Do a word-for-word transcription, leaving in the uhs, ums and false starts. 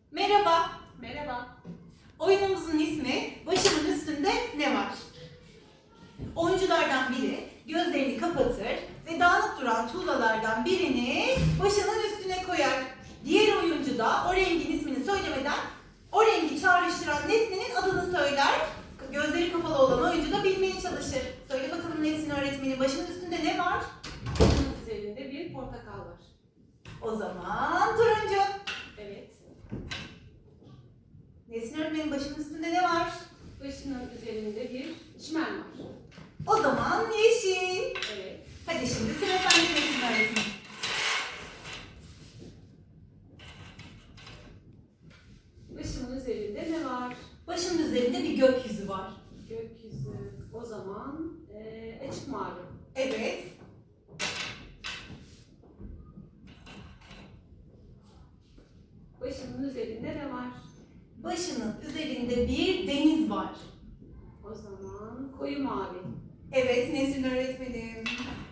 Merhaba. Merhaba. Oyunumuzun ismi Başımın Üstünde Ne Var? Oyunculardan biri gözlerini kapatır ve dağınık duran tuğlalardan birini başının üstüne koyar. Diğer oyuncu da o rengin ismini söylemeden o rengi çağrıştıran nesnenin adını söyler. Gözleri kapalı olan oyuncu da bilmeye çalışır. Söyle bakalım Nesin öğretmenin başının üstünde ne var? Bunun üzerinde bir portakal var. O zaman turuncu. Evet. Nesin öğretmenin başının üstünde ne var? Başının üzerinde bir çimen var. O zaman yeşil. Evet. Hadi şimdi sıra sende Nesin öğretmenim. Başımın üzerinde ne var? Başının üzerinde bir gökyüzü var. Gökyüzü. O zaman eee açık mavi. Evet. Başımın üzerinde ne var? Başının üzerinde bir deniz var. O zaman koyu mavi. Evet Nesin öğretmenim.